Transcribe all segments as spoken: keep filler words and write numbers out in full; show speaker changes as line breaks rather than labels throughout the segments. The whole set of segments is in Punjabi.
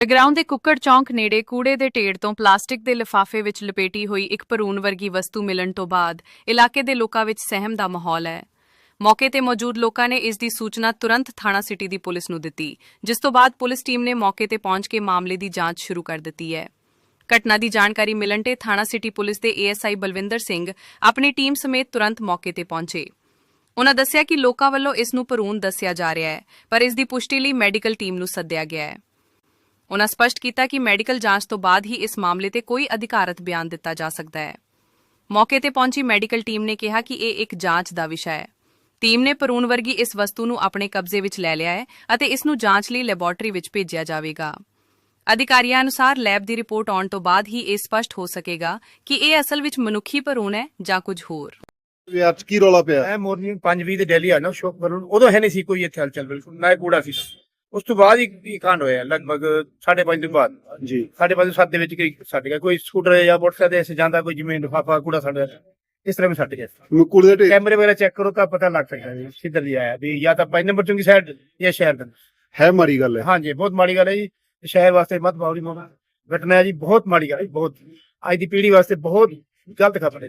ਜਗਰਾਉਂ ਦੇ ਕੁੱਕੜ ਚੌਂਕ ਨੇੜੇ ਕੂੜੇ ਦੇ ਢੇਰ ਤੋਂ ਪਲਾਸਟਿਕ ਦੇ ਲਿਫਾਫੇ ਵਿੱਚ ਲਪੇਟੀ ਹੋਈ ਇੱਕ ਭਰੂਣ ਵਰਗੀ ਵਸਤੂ ਮਿਲਣ ਤੋਂ ਬਾਅਦ ਇਲਾਕੇ ਦੇ ਲੋਕਾਂ ਵਿੱਚ ਸਹਿਮ ਦਾ ਮਾਹੌਲ ਹੈ। ਮੌਕੇ ਤੇ ਮੌਜੂਦ ਲੋਕਾਂ ਨੇ ਇਸ ਦੀ ਸੂਚਨਾ ਤੁਰੰਤ ਥਾਣਾ ਸਿਟੀ ਦੀ ਪੁਲਿਸ ਨੂੰ ਦਿੱਤੀ, ਜਿਸ ਤੋਂ ਬਾਅਦ ਪੁਲਿਸ ਟੀਮ ਨੇ ਮੌਕੇ ਤੇ ਪਹੁੰਚ ਕੇ ਮਾਮਲੇ ਦੀ ਜਾਂਚ ਸ਼ੁਰੂ ਕਰ ਦਿੱਤੀ ਹੈ। ਘਟਨਾ ਦੀ ਜਾਣਕਾਰੀ ਮਿਲਣ ਤੇ ਥਾਣਾ ਸਿਟੀ ਪੁਲਿਸ ਦੇ ਏਐਸਆਈ ਬਲਵਿੰਦਰ ਸਿੰਘ ਆਪਣੀ ਟੀਮ ਸਮੇਤ ਤੁਰੰਤ ਮੌਕੇ ਤੇ ਪਹੁੰਚੇ। ਉਨ੍ਹਾਂ ਦੱਸਿਆ ਕਿ ਲੋਕਾਂ ਵੱਲੋਂ ਇਸ ਨੂੰ ਭਰੂਣ ਦੱਸਿਆ ਜਾ ਰਿਹਾ ਹੈ, ਪਰ ਇਸ ਦੀ ਪੁਸ਼ਟੀ ਲਈ ਮੈਡੀਕਲ ਟੀਮ ਨੂੰ ਸੱਦਿਆ ਗਿਆ ਹੈ। ਉਨ੍ਹਾਂ ਸਪਸ਼ਟ ਕੀਤਾ ਕਿ ਮੈਡੀਕਲ ਜਾਂਚ ਤੋਂ ਬਾਅਦ ਹੀ ਇਸ ਮਾਮਲੇ ਤੇ ਕੋਈ ਅਧਿਕਾਰਤ ਬਿਆਨ ਦਿੱਤਾ ਜਾ ਸਕਦਾ ਹੈ। ਮੌਕੇ ਤੇ ਪਹੁੰਚੀ ਮੈਡੀਕਲ ਟੀਮ ਨੇ ਕਿਹਾ ਕਿ ਇਹ ਇੱਕ ਜਾਂਚ ਦਾ ਵਿਸ਼ਾ ਹੈ। ਟੀਮ ਨੇ ਭਰੂਣ ਵਰਗੀ ਇਸ ਵਸਤੂ ਨੂੰ ਆਪਣੇ ਕਬਜ਼ੇ ਵਿੱਚ ਲੈ ਲਿਆ ਹੈ ਅਤੇ ਇਸ ਨੂੰ ਜਾਂਚ ਲਈ ਲੈਬੋਰੇਟਰੀ ਵਿੱਚ ਭੇਜਿਆ ਜਾਵੇਗਾ। ਅਧਿਕਾਰੀਆਂ ਅਨੁਸਾਰ ਲੈਬ ਦੀ ਰਿਪੋਰਟ ਆਉਣ ਤੋਂ ਬਾਅਦ ਹੀ ਇਹ ਸਪਸ਼ਟ ਹੋ ਸਕੇਗਾ ਕਿ ਇਹ ਅਸਲ ਵਿੱਚ ਮਨੁੱਖੀ ਭਰੂਣ ਹੈ ਜਾਂ ਕੁਝ ਹੋਰ।
ਯਾਰ ਕੀ ਰੌਲਾ ਪਿਆ?
ਇਹ ਮਾਰਨਿੰਗ ਪੰਜ ਵੀਹ ਤੇ ਡੈਲੀ ਆ ਨਾ ਸ਼ੋਕ ਕਰਨ, ਉਦੋਂ ਹੈ ਨਹੀਂ ਸੀ ਕੋਈ ਇੱਥੇ ਹਲਚਲ, ਬਿਲਕੁਲ ਨਾ ਕੂੜਾ ਸੀ। ਉਸ ਤੋਂ ਬਾਅਦ ਹੀ ਕਾਂਡ ਹੋਇਆ ਲਗਭਗ ਸਾਢੇ ਪੰਜ ਦਿਨ ਬਾਅਦ
ਜੀ
ਸਾਢੇ ਪੰਜ ਸੱਤ ਦੇ ਵਿੱਚ ਛੱਡ ਗਿਆ ਕੋਈ ਸਕੂਟਰ ਜਾਂ ਮੋਟਰਸਾਈਕਲ ਐਸੇ ਜਾਂਦਾ, ਕੋਈ ਜਿਵੇਂ ਲਿਫਾਫਾ ਕੂੜਾ ਛੱਡ ਇਸ ਤਰ੍ਹਾਂ ਵੀ ਛੱਡ ਗਿਆ।
ਕੂੜੇ ਦੇ ਢੇਰ
ਕੈਮਰੇ ਵਗੈरह ਚੈੱਕ ਕਰੋ ਤਾਂ ਪਤਾ ਲੱਗ ਸਕਦਾ ਜੀ ਕਿੱਧਰ ਦੀ ਆਇਆ ਵੀ, ਜਾਂ ਤਾਂ ਪੰਜ ਨੰਬਰ ਚੁੰਗੀ ਸਾਈਡ ਜਾਂ ਸ਼ਹਿਰ ਦਾ।
ਹੈ ਮਾੜੀ ਗੱਲ ਹੈ।
ਹਾਂਜੀ ਬਹੁਤ ਮਾੜੀ ਗੱਲ ਹੈ ਜੀ, ਸ਼ਹਿਰ ਵਾਸਤੇ ਮਤ ਬਾਉਰੀ ਮੋਗਾ ਘਟਨਾ ਹੈ ਜੀ, ਬਹੁਤ ਮਾੜੀ ਗੱਲ ਹੈ, ਬਹੁਤ ਅੱਜ ਦੀ ਪੀੜ੍ਹੀ ਵਾਸਤੇ ਬਹੁਤ ਗਲਤ ਖਬਰ ਹੈ।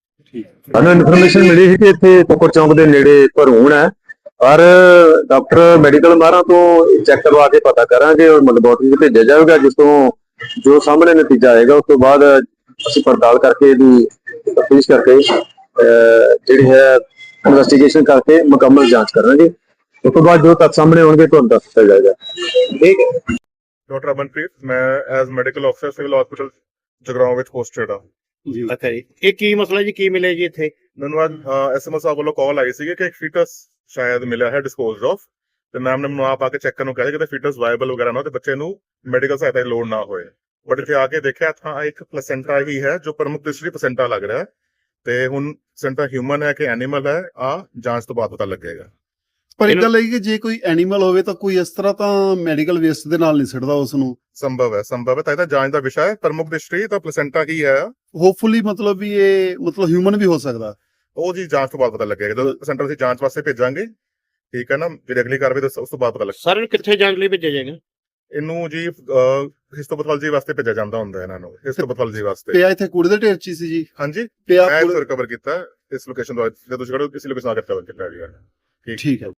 ਸਾਨੂੰ ਇਨਫੋਰਮੇਸ਼ਨ ਮਿਲੀ ਸੀ ਕਿ ਇੱਥੇ ਕੁੱਕੜ ਚੌਂਕ ਦੇ ਨੇੜੇ ਭਰੂਣ ਹੈ, ਪਰ ਡਾਕਟਰ ਮੈਡੀਕਲ ਮਾਹਰਾਂ ਤੋਂ ਚੈੱਕ ਕਰਵਾ ਕੇ ਪਤਾ ਕਰਾਂਗੇ ਔਰ ਲੈਬੋਰੇਟਰੀ ਵਿੱਚ ਭੇਜਿਆ ਜਾਵੇਗਾ, ਜਿਸ ਤੋਂ ਜੋ ਸਾਹਮਣੇ ਨਤੀਜਾ ਆਏਗਾ ਉਸ ਤੋਂ ਬਾਅਦ ਅਸੀਂ ਪੜਤਾਲ ਕਰਕੇ ਇਹਦੀ ਤਫਤੀਸ਼ ਕਰਕੇ ਜਿਹੜੀ ਹੈ ਇਨਵੈਸਟੀਗੇਸ਼ਨ ਕਰਕੇ ਮੁਕੰਮਲ ਜਾਂਚ ਕਰਾਂਗੇ। ਉਸ ਤੋਂ ਬਾਅਦ ਜੋ ਤੱਥ ਸਾਹਮਣੇ ਆਉਣਗੇ ਤੁਹਾਨੂੰ ਦੱਸ ਦਿੱਤਾ ਜਾਏਗਾ। ਠੀਕ ਹੈ।
ਡਾਕਟਰ ਅਮਨਪ੍ਰੀਤ, ਮੈਂ ਐਜ਼ ਮੈਡੀਕਲ ਅਫਸਰ ਸਿਵਲ ਹਸਪੀਟਲ ਜਗਰਾਉਂ ਵਿੱਚ ਪੋਸਟਡ ਆ
ਜੀ
ਅੱਛਾ ਜੀ, ਇਹ ਕੀ ਮਸਲਾ ਜੀ, ਕੀ ਮਿਲੇ ਜੀ ਇੱਥੇ?
ਮੈਨੂੰ ਅੱਜ ਐਸਐਮਓ ਸਾਹਿਬ ਵੱਲੋਂ ਕਾਲ ਆਈ ਸੀ ਕਿ ਇੱਕ ਫੀਟਸ ਸ਼ਾਇਦ ਮਿਲਿਆ ਹੈ ਡਿਸਪੋਜ਼ਡ ਆਫ, ਤੇ ਮੈਮ ਨੇ ਮੈਨੂੰ ਆਪ ਆ ਕੇ ਚੈੱਕ ਕਰਨ ਨੂੰ ਕਿਹਾ ਕਿ ਫੀਟਸ ਵਾਇਬਲ ਵਗੈਰਾ ਨਾ ਤੇ ਬੱਚੇ ਨੂੰ ਮੈਡੀਕਲ ਸਹਾਇਤਾ ਦੀ ਲੋੜ ਨਾ ਹੋਏ। ਬਟ ਇੱਥੇ ਆ ਕੇ ਦੇਖਿਆ ਤਾਂ ਇੱਕ ਪਲੇਸੈਂਟਾ ਹੀ ਹੈ ਜੋ ਪ੍ਰਮੁੱਖ ਦ੍ਰਿਸ਼ਟੀ ਪਲੇਸੈਂਟਾ ਲੱਗ ਰਿਹਾ ਹੈ, ਤੇ ਹੁਣ ਪਲੇਸੈਂਟਾ ਹਿਊਮਨ ਹੈ ਕਿ ਐਨੀਮਲ ਹੈ ਆ ਜਾਂਚ ਤੋਂ ਬਾਅਦ ਪਤਾ ਲੱਗੇਗਾ।
ਪਰ ਇੱਕ ਗੱਲ ਹੈ ਕਿ ਜੇ ਕੋਈ ਐਨੀਮਲ ਹੋਵੇ ਤਾਂ ਕੋਈ ਇਸ ਤਰ੍ਹਾਂ ਤਾਂ ਮੈਡੀਕਲ ਵੇਸਟ ਦੇ ਨਾਲ ਨਹੀਂ ਸਿੱਟਦਾ ਉਸ ਨੂੰ।
ਸੰਭਵ ਹੈ ਸੰਭਵ ਹੈ ਤਾਂ ਇਹਦਾ ਜਾਂਚ ਦਾ ਵਿਸ਼ਾ ਹੈ। ਪ੍ਰਮੁੱਖ ਦ੍ਰਿਸ਼ਟੀ ਤਾਂ ਪਲੇਸੈਂਟਾ ਹੀ ਹੈ,
ਹੋਪਫੁਲੀ ਮਤਲਬ ਵੀ ਇਹ ਮਤਲਬ ਹਿਊਮਨ ਵੀ ਹੋ ਸਕਦਾ,
ਉਹ ਜੀ ਜਾਂਚ ਤੋਂ ਬਾਅਦ ਪਤਾ ਲੱਗੇਗਾ। ਜਦੋਂ ਸੈਂਟਰ ਅਸੀਂ ਜਾਂਚ ਵਾਸਤੇ ਭੇਜਾਂਗੇ, ਠੀਕ ਹੈ ਨਾ, ਜਿਹੜੀ ਅਗਲੀ ਕਾਰਵਾਈ ਉਸ ਤੋਂ ਬਾਅਦ ਪਤਾ ਲੱਗੇਗਾ।
ਸਰ ਇਹਨੂੰ ਕਿੱਥੇ ਜਾਂਚ ਲਈ ਭੇਜਿਆ ਜਾਏਗਾ?
ਇਹਨੂੰ ਜੀ ਹਿਸਟੋਪੈਥੋਲੋਜੀ ਵਾਸਤੇ ਭੇਜਿਆ ਜਾਂਦਾ ਹੁੰਦਾ ਇਹਨਾਂ ਨੂੰ, ਹਿਸਟੋਪੈਥੋਲੋਜੀ ਵਾਸਤੇ।
ਪਿਆ ਇੱਥੇ ਕੂੜੇ ਦੇ ਢੇਰ ਚ ਸੀ ਜੀ।
ਹਾਂਜੀ
ਪਿਆ
ਮੈਂ ਰਿਕਵਰ ਕੀਤਾ ਇਸ ਲੋਕੇਸ਼ਨ ਤੋਂ, ਜਦੋਂ ਤੁਸੀਂ ਕਿਸੇ ਲੋਕੇਸ਼ਨ ਆ ਕੇ ਰਿਕਵਰ ਕੀਤਾ ਗਿਆ।
ਠੀਕ ਹੈ।